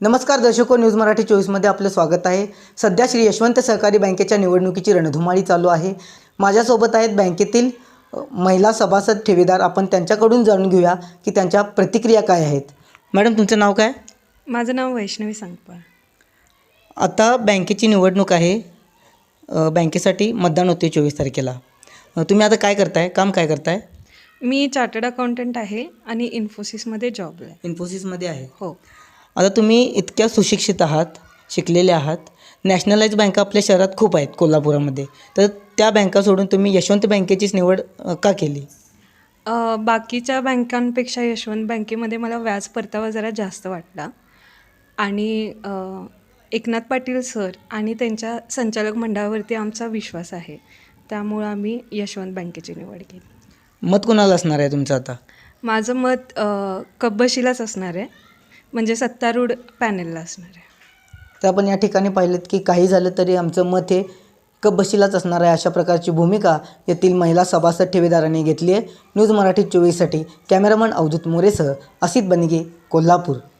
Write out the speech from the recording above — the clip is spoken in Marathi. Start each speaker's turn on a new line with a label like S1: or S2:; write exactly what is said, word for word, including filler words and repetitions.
S1: नमस्कार दर्शको, न्यूज मराठी चोवीसमध्ये आपलं स्वागत आहे। सध्या श्री यशवंत सहकारी बँकेच्या निवडणुकीची रणधुमाळी चालू आहे। माझ्यासोबत आहेत बँकेतील महिला सभासद ठेवीदार। आपण त्यांच्याकडून जाणून घेऊया की त्यांच्या प्रतिक्रिया काय आहेत। मॅडम, तुमचं नाव काय?
S2: माझं नाव वैष्णवी संगपाळ।
S1: आता बँकेची निवडणूक आहे, बँकेसाठी मतदान होते चोवीस तारखेला। तुम्ही आता काय करताय, काम काय करताय?
S2: मी चार्टर्ड अकाउंटंट आहे आणि इन्फोसिसमध्ये जॉबला आहे।
S1: इन्फोसिसमध्ये आहे।
S2: हो।
S1: आता तुम्ही इतक्या सुशिक्षित आहात, शिकलेले आहात। नॅशनलाइज बँका आपल्या शहरात खूप आहेत कोल्हापुरामध्ये, तर त्या बँका सोडून तुम्ही यशवंत बँकेचीच निवड का केली?
S2: अ, बाकीच्या बँकांपेक्षा यशवंत बँकेमध्ये मला व्याज परतावा जरा जास्त वाटला आणि अ, एकनाथ पाटील सर आणि त्यांच्या संचालक मंडळावरती आमचा विश्वास आहे, त्यामुळं आम्ही यशवंत बँकेची निवड केली।
S1: मत कोणाला असणार आहे तुमचं आता?
S2: माझं मत अ, कब्बशीलाच असणार आहे, म्हणजे सत्तारूढ पॅनेलला असणार आहे।
S1: तर आपण या ठिकाणी पाहिलं की काही झालं तरी आमचं मत हे कब्बशीलाच असणार आहे, अशा प्रकारची भूमिका येथील महिला सभासद ठेवीदारांनी घेतली आहे। न्यूज मराठी चोवीससाठी कॅमेरामन अवधूत मोरेसह असित बनिगे, कोल्हापूर।